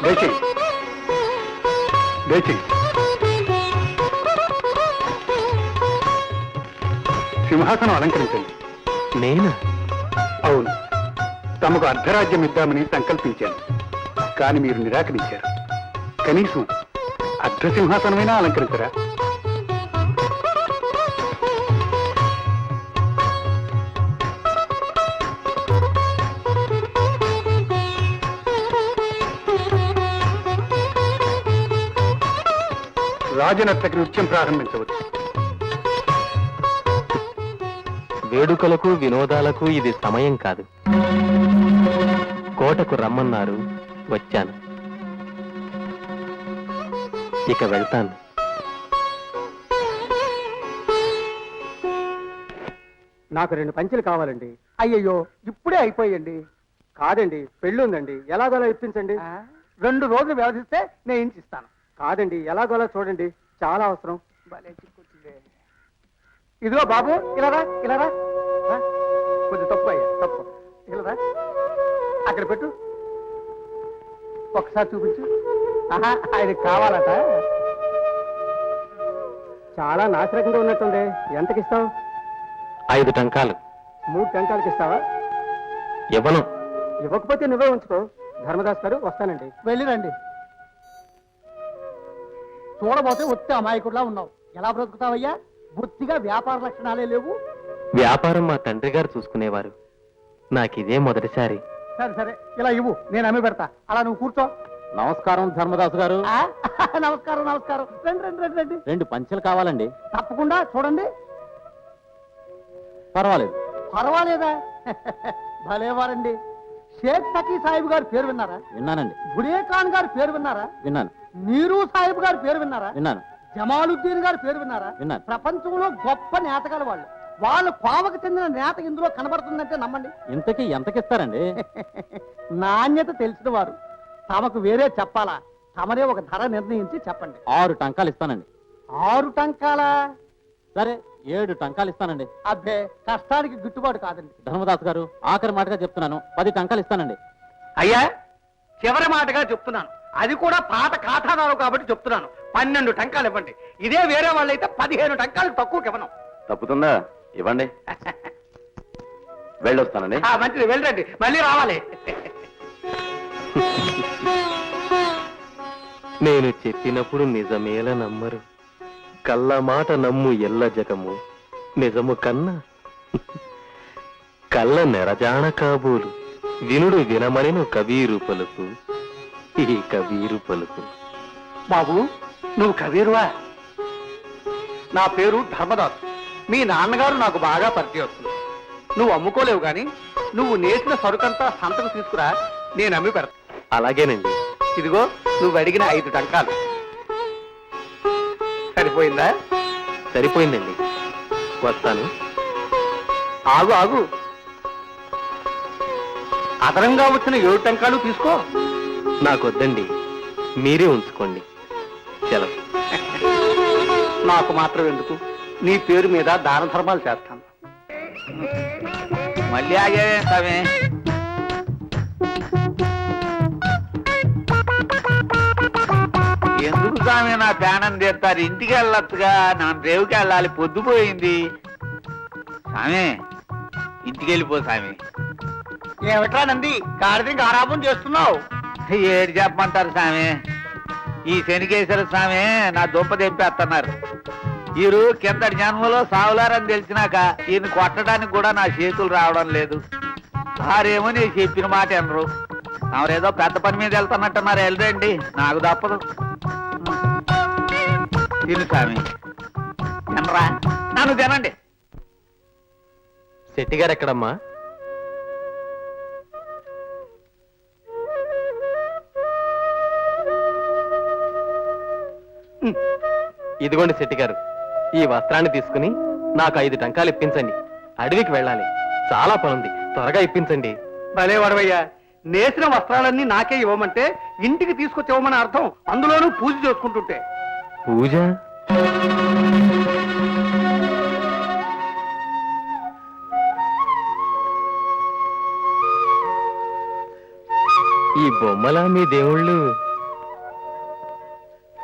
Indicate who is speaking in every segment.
Speaker 1: దయచేయి దయచేయి. సింహాసనం అలంకరించండి.
Speaker 2: నేనా?
Speaker 1: అవును, తమకు అర్ధరాజ్యం ఇద్దామని సంకల్పించాను, కానీ మీరు నిరాకరించారు. కనీసం అర్ధ సింహాసనమైనా అలంకరించరా? రాజనర్తకి నృత్యం ప్రారంభించవచ్చు.
Speaker 2: వేడుకలకు వినోదాలకు ఇది సమయం కాదు. కోటకు రమ్మన్నారు, వచ్చాను. ఇక వెళ్తాను.
Speaker 3: నాకు 2 పంచెలు కావాలండి. అయ్యయ్యో, ఇప్పుడే అయిపోయండి. కాదండి, పెళ్ళి ఉందండి, ఎలాగోలా ఇప్పించండి. 2 రోజులు వ్యవధిస్తే నేను ఇంచిస్తాను. కాదండి, ఎలాగోలా చూడండి, చాలా అవసరం. ఇదిగో బాబు, ఇలారా ఇలారా. కొంచెం తప్పు అయ్యా, తప్పు. ఇలారా, అక్కడ పెట్టు, ఒకసారి చూపించు. ఆయనకి కావాలట. చాలా నాశరకంగా ఉన్నట్టుంది. ఎంతకిస్తావు?
Speaker 2: 5 టంకాలు.
Speaker 3: 3 టంకాలకి ఇస్తావా?
Speaker 2: ఇవ్వను.
Speaker 3: ఇవ్వకపోతే నువ్వే ఉంచుకో. ధర్మదాస్ గారు, వస్తానండి. వెళ్ళిరండి. చూడబోతే ఒత్తి అమాయకుడిలా ఉన్నావు. ఎలా బ్రతుకుతావయ్యా? బొత్తిగా వ్యాపార లక్షణాలే లేవు.
Speaker 2: వ్యాపారం మా తండ్రి గారు చూసుకునేవారు. నాకిదే మొదటిసారి.
Speaker 3: సరే సరే, ఇలా ఇవ్వు, నేను అమ్మి పెడతా. అలా నువ్వు కూర్చో.
Speaker 2: నమస్కారం ధర్మదాసు గారు.
Speaker 3: నమస్కారం నమస్కారం. రండి రండి రండి రండి.
Speaker 2: 2 పంచెలు కావాలండి.
Speaker 3: తప్పకుండా, చూడండి.
Speaker 2: పర్వాలేదు.
Speaker 3: పర్వాలేదా? భలేవారండి. షేక్ తకీ సాహిబ్ గారి పేరు విన్నారా?
Speaker 2: విన్నానండి.
Speaker 3: బుడే ఖాన్ గారి పేరు విన్నారా?
Speaker 2: విన్నాను.
Speaker 3: నీరు సాహిబ్ గారి పేరు విన్నారా?
Speaker 2: విన్నాను.
Speaker 3: జమాలుద్దీన్ గారి పేరు విన్నారా?
Speaker 2: విన్నాను.
Speaker 3: ప్రపంచంలో గొప్ప నేతగాలు వాళ్ళు. వాళ్ళ కోవకు చెందిన నేత ఇందులో కనబడుతుందంటే నమ్మండి.
Speaker 2: ఇంతకీ ఎంతకిస్తారండి?
Speaker 3: నాణ్యత తెలిసిన వారు. తమకు వేరే చెప్పాలా? తమరే ఒక ధర నిర్ణయించి చెప్పండి.
Speaker 2: 6 టంకాలు ఇస్తానండి.
Speaker 3: 6 టంకాలా?
Speaker 2: సరే, 7 టంకాలు ఇస్తానండి.
Speaker 3: అబ్బే, కష్టానికి గిట్టుబాటు కాదండి.
Speaker 2: ధర్మదాస్ గారు, ఆఖరి మాటగా చెప్తున్నాను, 10 టంకాలు ఇస్తానండి.
Speaker 3: అయ్యా, చివరి మాటగా చెప్తున్నాను. అది కూడా పాత ఖాతాదారు కాబట్టి చెప్తున్నాను. 12 టంకాలు ఇవ్వండి. ఇదే వేరే వాళ్ళైతే 15 టంకాలు తక్కువకి ఇవ్వను.
Speaker 2: తప్పుతుందా? ఇవ్వండి. వెళ్ళొస్తానండి.
Speaker 3: మంచిది, వెళ్ళండి, మళ్ళీ రావాలి.
Speaker 2: నేను చెప్పినప్పుడు నిజమేల నమ్మరు. కళ్ళ మాట నమ్ము ఎల్ల జగము, నిజము కన్నా కళ్ళ నెరజాణ కాబోలు. వినుడు వినమనిను కబీరు పలుకు, ఈ కబీరు పలుకు.
Speaker 3: బాబు, నువ్వు కబీరువా? నా పేరు ధర్మదాస్. మీ నాన్నగారు నాకు బాగా పరిచయస్తులు. నువ్వు అమ్ముకోలేవు గాని నువ్వు నేసిన సరుకంతా సంతకు తీసుకురా, నేను అమ్మి పెడతా.
Speaker 2: అలాగేనండి.
Speaker 3: ఇదిగో, నువ్వు అడిగిన 5 టంకాలు. సరిపోయిందా?
Speaker 2: సరిపోయిందండి. వస్తాను.
Speaker 3: ఆగు ఆగు, అదనంగా వచ్చిన 7 టంకాలు తీసుకో.
Speaker 2: నాకొద్దండి, మీరే ఉంచుకోండి. సెలవు.
Speaker 3: నాకు మాత్రం ఎందుకు? నీ పేరు మీద దాన ధర్మాలు చేస్తాను.
Speaker 4: మళ్ళీ ఆగే స్వామి. ఎందుకు స్వామి నా ప్రాణం తీస్తారు? ఇంటికి వెళ్ళొచ్చుగా, నా రేవుకి వెళ్ళాలి, పొద్దుపోయింది. స్వామి, ఇంటికి వెళ్ళిపో స్వామి.
Speaker 3: ఏమిట్రా నంది, గాడిదని ఆరాపం చేస్తున్నావు?
Speaker 4: ఏడు చెప్పమంటారు స్వామి? ఈ శనికేశ్వర స్వామి నా దుంప తెంపేస్తున్నారు. వీరు కిందటి జన్మలో సావులారని తెలిసినాక ఈయన కొట్టడానికి కూడా నా చేతులు రావడం లేదు. వారేమో నేను చెప్పిన మాట వినరు. ఎవరేదో పెద్ద పని మీద వెళ్తున్నట్టున్నారు, వెళ్ళండి, నాకు తప్పదు. తిను స్వామి, తినరా? నన్ను తినండి.
Speaker 2: శెట్టి గారు ఎక్కడమ్మా? ఇదిగోండి శెట్టి గారు, ఈ వస్త్రాన్ని తీసుకుని నాకు 5 టంకాలు ఇప్పించండి. అడవికి వెళ్ళాలి, చాలా పనుంది, త్వరగా ఇప్పించండి.
Speaker 3: భలే వడవయ్యా, నేసిన వస్త్రాలన్నీ నాకే ఇవ్వమంటే ఇంటికి తీసుకొచ్చి ఇవ్వమని అర్థం. అందులోనూ పూజ చేసుకుంటుంటే.
Speaker 2: పూజ? ఈ బొమ్మలా మీ దేవుళ్ళు?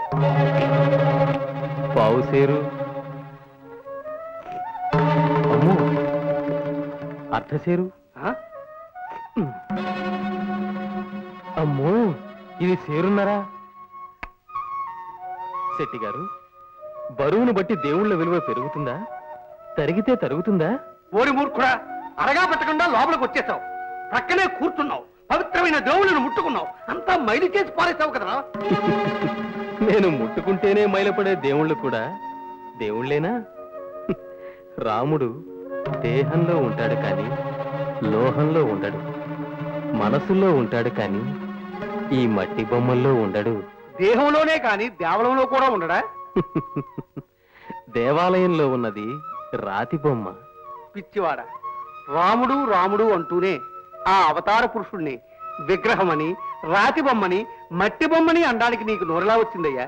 Speaker 2: పావు సేరు, అమ్మో, అర్ధ సేరు,
Speaker 3: ఆ?
Speaker 2: అమ్మో ఇది సేరున్నారా? శెట్టి గారు, బరువును బట్టి దేవుళ్ళ విలువ పెరుగుతుందా, తరిగితే తరుగుతుందా?
Speaker 3: ఓరి మూర్ఖుడా, అరగా పెట్టకుండా లోపలికి వచ్చేసావు, ప్రక్కనే కూర్చున్నావు, పవిత్రమైన దేవుళ్ళను ముట్టుకున్నావు, అంతా మైలు చేసి పారేసావు కదరా.
Speaker 2: నేను ముట్టుకుంటేనే మైలపడే దేవుళ్ళు కూడా దేవుళ్ళేనా? రాముడు దేహంలో ఉంటాడు కానీ లోహంలో ఉండడు, మనసులో ఉంటాడు కానీ ఈ మట్టి బొమ్మల్లో ఉండడు.
Speaker 3: దేహంలోనే కాని దేవలంలో కూడా ఉండడా?
Speaker 2: దేవాలయంలో ఉన్నది రాతి బొమ్మ.
Speaker 3: పిచ్చివాడ, రాముడు రాముడు అంటూనే ఆ అవతార పురుషుణ్ణి విగ్రహమని, రాతి బొమ్మని, మట్టి బొమ్మని అనడానికి నీకు నోరులా వచ్చిందయ్యా?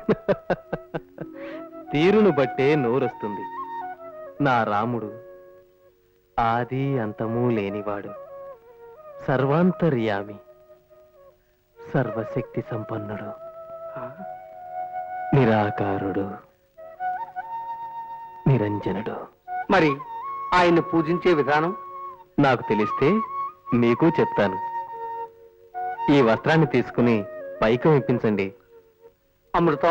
Speaker 2: తీరును బట్టే నోరొస్తుంది. నా రాముడు ఆది అంతము లేనివాడు, సర్వాంతర్యామి, సర్వశక్తి సంపన్నుడు, నిరాకారుడు, నిరంజనుడు.
Speaker 3: మరి ఆయన్ని పూజించే విధానం
Speaker 2: నాకు తెలిస్తే మీకు చెప్తాను. ఈ వస్త్రాన్ని తీసుకుని పైకం ఇప్పించండి.
Speaker 3: అమృతం,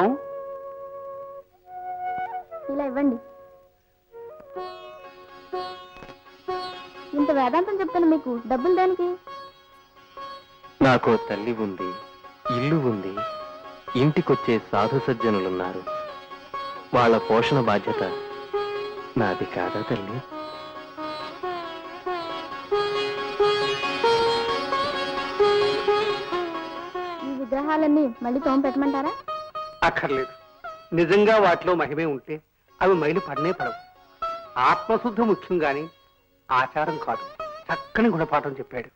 Speaker 5: ఇలా ఇవ్వండి. ఇంత వేదాంతం చెప్తాను మీకు డబ్బులు దేనికి?
Speaker 2: నాకు తల్లి ఉంది, ఇల్లు ఉంది, ఇంటికొచ్చే సాధు సజ్జనులున్నారు. వాళ్ళ పోషణ బాధ్యత నాది కాదా తల్లి?
Speaker 5: ఈ విగ్రహాలన్నీ మళ్ళీ తోమ పెట్టమంటారా?
Speaker 3: అక్కర్లేదు. నిజంగా వాటిలో మహిమే ఉంటే అవి మైలు పడనే పడవు. ఆత్మశుద్ధి ముఖ్యం గాని ఆచారం కాదు. చక్కని గుణపాఠం చెప్పాడు.